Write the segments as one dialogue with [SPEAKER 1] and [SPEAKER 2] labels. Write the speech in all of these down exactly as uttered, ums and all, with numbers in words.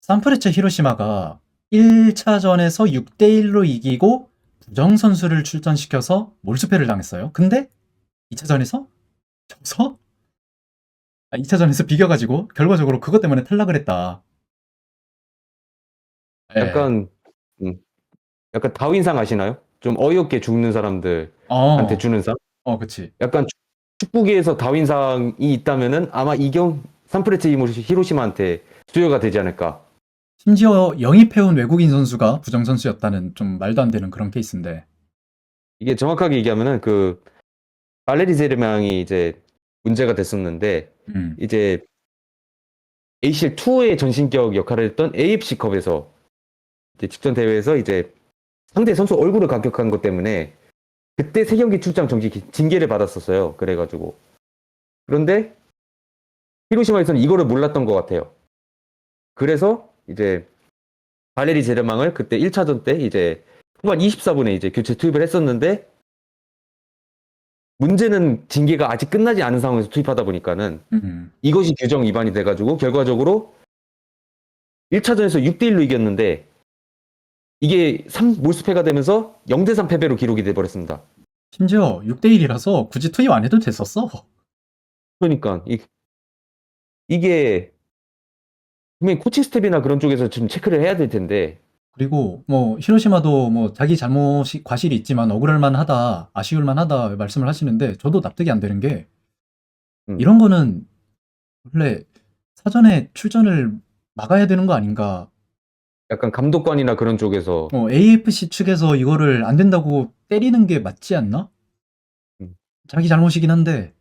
[SPEAKER 1] 산프레체 히로시마가 일 차전에서 육 대 일로 이기고 부정 선수를 출전시켜서 몰수패를 당했어요. 근데 이 차전에서 져서 아, 이 차전에서 비겨가지고 결과적으로 그것 때문에 탈락을 했다. 예.
[SPEAKER 2] 약간 음, 약간 다윈상 아시나요? 좀 어이없게 죽는 사람들한테
[SPEAKER 1] 어,
[SPEAKER 2] 주는 상?
[SPEAKER 1] 어, 그치.
[SPEAKER 2] 약간 축- 축구계에서 다윈상이 있다면은 아마 이경 산프레체 히로시마한테 수여가 되지 않을까.
[SPEAKER 1] 심지어 영입해온 외국인 선수가 부정 선수였다는 좀 말도 안 되는 그런 케이스인데.
[SPEAKER 2] 이게 정확하게 얘기하면은 그 발레리 제르맹이 이제 문제가 됐었는데
[SPEAKER 1] 음,
[SPEAKER 2] 이제 에이씨엘이의 전신격 역할을 했던 에이에프씨컵에서 이제 직전 대회에서 이제 상대 선수 얼굴을 가격한 것 때문에 그때 세 경기 출장 정지 징계를 받았었어요. 그래가지고 그런데 히로시마에서는 이거를 몰랐던 것 같아요. 그래서 이제 발레리 제르망을 그때 일 차전 때 이제 후반 이십사 분에 이제 교체 투입을 했었는데 문제는 징계가 아직 끝나지 않은 상황에서 투입하다 보니까는
[SPEAKER 1] 음.
[SPEAKER 2] 이것이 규정 위반이 돼가지고 결과적으로 일 차전에서 육 대 일로 이겼는데 이게 삼 몰수패가 되면서 영 대 삼 패배로 기록이 돼버렸습니다.
[SPEAKER 1] 심지어 육 대 일이라서 굳이 투입 안 해도 됐었어.
[SPEAKER 2] 그러니까 이, 이게 분명히 코칭 스텝이나 그런 쪽에서 좀 체크를 해야 될 텐데
[SPEAKER 1] 그리고 뭐 히로시마도 뭐 자기 잘못이 과실이 있지만 억울할 만하다, 아쉬울 만하다 말씀을 하시는데 저도 납득이 안 되는 게
[SPEAKER 2] 음,
[SPEAKER 1] 이런 거는 원래 사전에 출전을 막아야 되는 거 아닌가?
[SPEAKER 2] 약간 감독관이나 그런 쪽에서
[SPEAKER 1] 어, 에이에프씨 측에서 이거를 안 된다고 때리는 게 맞지 않나?
[SPEAKER 2] 음,
[SPEAKER 1] 자기 잘못이긴 한데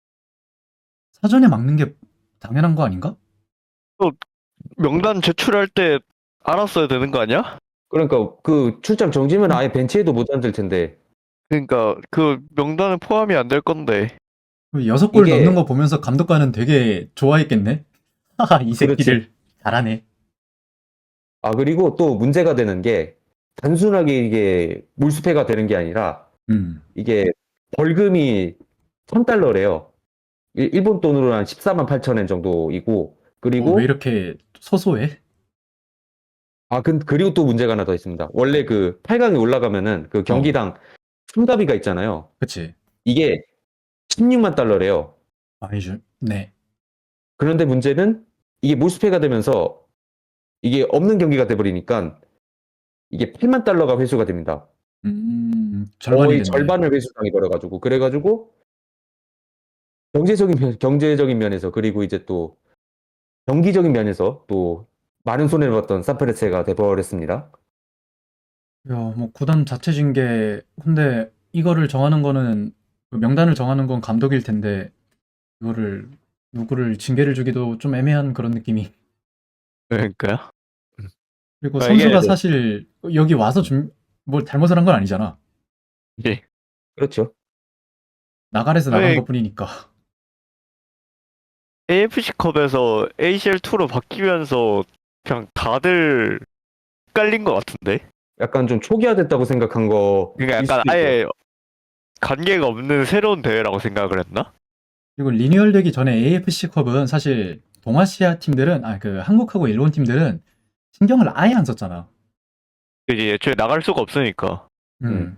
[SPEAKER 1] 사전에 막는 게 당연한 거 아닌가?
[SPEAKER 3] 또 명단 제출할 때 알았어야 되는 거 아니야?
[SPEAKER 2] 그러니까 그 출장 정지면 아예 벤치에도 못 앉을 텐데
[SPEAKER 3] 그러니까 그 명단에 포함이 안 될 건데.
[SPEAKER 1] 여섯 골
[SPEAKER 2] 이게
[SPEAKER 1] 넣는 거 보면서 감독관은 되게 좋아했겠네? 하하, 이
[SPEAKER 2] 그렇지.
[SPEAKER 1] 새끼를 잘하네.
[SPEAKER 2] 아 그리고 또 문제가 되는 게 단순하게 이게 몰수패가 되는 게 아니라
[SPEAKER 1] 음.
[SPEAKER 2] 이게 벌금이 천 달러래요. 일- 일본 돈으로 한 십사만 팔천 엔 정도이고
[SPEAKER 1] 어, 왜
[SPEAKER 2] 그리고
[SPEAKER 1] 이렇게 소소해?
[SPEAKER 2] 아 그, 그리고 또 문제가 하나 더 있습니다. 원래 그 팔 강에 올라가면은 그
[SPEAKER 1] 어,
[SPEAKER 2] 경기당 참가비가 있잖아요.
[SPEAKER 1] 그치.
[SPEAKER 2] 이게 십육만 달러래요.
[SPEAKER 1] 아니죠. 네.
[SPEAKER 2] 그런데 문제는 이게 몰수패가 되면서 이게 없는 경기가 돼버리니까 이게 팔만 달러가 회수가 됩니다.
[SPEAKER 1] 음, 절반이
[SPEAKER 2] 거의
[SPEAKER 1] 됐네.
[SPEAKER 2] 절반을 회수당해 버려가지고 그래가지고 경제적인 면, 경제적인 면에서 그리고 이제 또 경기적인 면에서 또 많은 손해를 봤던 산프레체가 돼버렸습니다.
[SPEAKER 1] 야, 뭐 구단 자체 징계. 근데 이거를 정하는 거는 그 명단을 정하는 건 감독일 텐데 이거를 누구를 징계를 주기도 좀 애매한 그런 느낌이.
[SPEAKER 3] 그러니까요.
[SPEAKER 1] 그리고
[SPEAKER 3] 그러니까 이게
[SPEAKER 1] 선수가 사실 여기 와서 좀 뭐 잘못을 한 건 아니잖아.
[SPEAKER 3] 이제
[SPEAKER 2] 그렇죠.
[SPEAKER 1] 나가래서 나간
[SPEAKER 3] 아니
[SPEAKER 1] 것뿐이니까.
[SPEAKER 3] 에이에프씨컵에서 에이씨엘이로 바뀌면서 그냥 다들 헷갈린 것 같은데?
[SPEAKER 2] 약간 좀 초기화됐다고 생각한 거일
[SPEAKER 3] 그러니까 약간
[SPEAKER 2] 수도 있어요.
[SPEAKER 3] 아예 관계가 없는 새로운 대회라고 생각을 했나?
[SPEAKER 1] 그리고 리뉴얼되기 전에 에이에프씨컵은 사실 동아시아 팀들은 아 그 한국하고 일본 팀들은 신경을 아예 안 썼잖아.
[SPEAKER 3] 이제 애초에 나갈 수가 없으니까.
[SPEAKER 1] 음.
[SPEAKER 2] 음.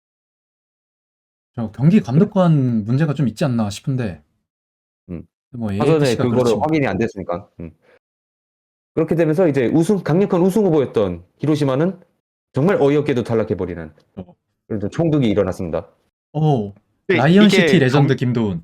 [SPEAKER 1] 저 경기 감독관 문제가 좀 있지 않나 싶은데
[SPEAKER 2] 음.
[SPEAKER 1] 뭐
[SPEAKER 2] 사전에
[SPEAKER 1] 에이에프씨가
[SPEAKER 2] 그거를
[SPEAKER 1] 그렇지 뭐.
[SPEAKER 2] 확인이 안 됐으니까. 음. 그렇게 되면서 이제 우승, 강력한 우승 후보였던 히로시마는 정말 어이없게도 탈락해버리는
[SPEAKER 1] 어,
[SPEAKER 2] 그런 좀 총극이 일어났습니다.
[SPEAKER 1] 어,
[SPEAKER 3] 근데
[SPEAKER 1] 라이언 시티
[SPEAKER 3] 이게
[SPEAKER 1] 레전드
[SPEAKER 3] 경,
[SPEAKER 1] 김도훈.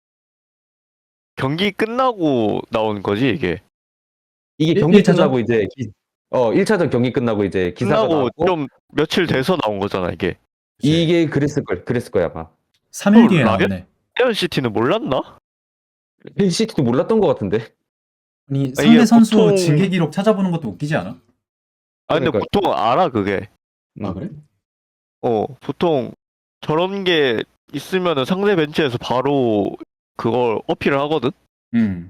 [SPEAKER 3] 경기 끝나고 나온 거지 이게.
[SPEAKER 2] 이게
[SPEAKER 1] 일,
[SPEAKER 2] 경기
[SPEAKER 1] 1차전?
[SPEAKER 2] 끝나고 이제 기, 어 일 차전 경기 끝나고 이제 기사가
[SPEAKER 3] 끝나고
[SPEAKER 2] 나왔고
[SPEAKER 3] 좀 며칠 돼서 나온 거잖아 이게.
[SPEAKER 1] 그치.
[SPEAKER 2] 이게 그랬을 걸 그랬을 거야 아마.
[SPEAKER 1] 삼 일
[SPEAKER 3] 또
[SPEAKER 1] 뒤에
[SPEAKER 3] 라이언
[SPEAKER 1] 나왔네.
[SPEAKER 3] 시티는 몰랐나?
[SPEAKER 2] 힐시티도 몰랐던 것 같은데.
[SPEAKER 1] 아니
[SPEAKER 3] 아, 이게
[SPEAKER 1] 상대 선수
[SPEAKER 3] 보통
[SPEAKER 1] 징계 기록 찾아보는 것도 웃기지 않아?
[SPEAKER 3] 아 근데
[SPEAKER 2] 그러니까
[SPEAKER 3] 보통 알아 그게.
[SPEAKER 1] 아
[SPEAKER 2] 음.
[SPEAKER 1] 그래?
[SPEAKER 3] 어 보통 저런 게 있으면은 상대 벤치에서 바로 그걸 어필을 하거든.
[SPEAKER 1] 음.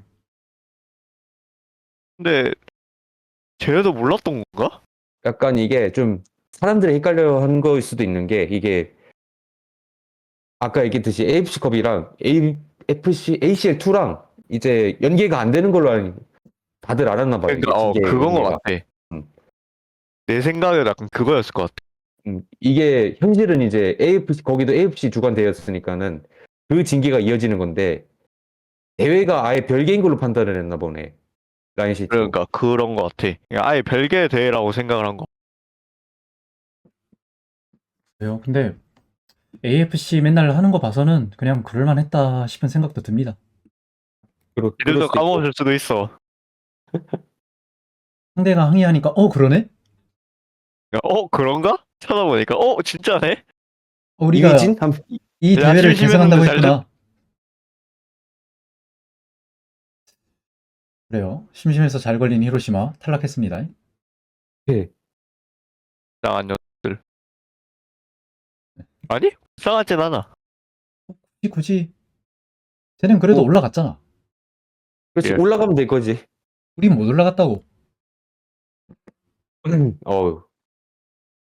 [SPEAKER 3] 근데 쟤네도 몰랐던 건가?
[SPEAKER 2] 약간 이게 좀 사람들이 헷갈려 한 거일 수도 있는 게 이게 아까 얘기했듯이 에이에프씨컵이랑 에이에프씨 에이씨엘이랑 이제 연계가 안 되는 걸로 알고 다들 알았나 봐요.
[SPEAKER 3] 그러니까 어
[SPEAKER 2] 이게 징계
[SPEAKER 3] 그건 것
[SPEAKER 2] 의미가.
[SPEAKER 3] 같아.
[SPEAKER 2] 음.
[SPEAKER 3] 내 생각에는 약간 그거였을 것 같아.
[SPEAKER 2] 음, 이게 현실은 이제 에이에프씨 거기도 에이에프씨 주관 대회였으니까는 그 징계가 이어지는 건데 대회가 아예 별개인 걸로 판단을 했나 보네. 라인시티도.
[SPEAKER 3] 그러니까 그런 것 같아. 그냥 아예 별개의 대회라고 생각을 한 거.
[SPEAKER 1] 그래요. 근데 에이에프씨 맨날 하는 거 봐서는 그냥 그럴만 했다 싶은 생각도 듭니다.
[SPEAKER 2] 그럴, 그럴
[SPEAKER 3] 이래서
[SPEAKER 2] 수도 있고.
[SPEAKER 3] 까먹을 수도 있어.
[SPEAKER 1] 상대가 항의하니까 어 그러네?
[SPEAKER 3] 그러니까 어 그런가? 찾아보니까 어 진짜네?
[SPEAKER 1] 어, 우리가
[SPEAKER 2] 이휘진? 한,
[SPEAKER 1] 이
[SPEAKER 3] 야,
[SPEAKER 1] 대회를
[SPEAKER 3] 심심했는데
[SPEAKER 1] 계승한다고
[SPEAKER 3] 잘
[SPEAKER 1] 했구나. 그래요. 심심해서 잘 걸린 히로시마 탈락했습니다.
[SPEAKER 2] 예.
[SPEAKER 3] 이상한 녀들. 아니? 이상하진 않아.
[SPEAKER 1] 굳이 굳이 쟤는 그래도
[SPEAKER 2] 뭐,
[SPEAKER 1] 올라갔잖아.
[SPEAKER 2] 그렇지.
[SPEAKER 3] 예.
[SPEAKER 2] 올라가면 될 거지.
[SPEAKER 1] 우린 못 올라갔다고.
[SPEAKER 2] 어우.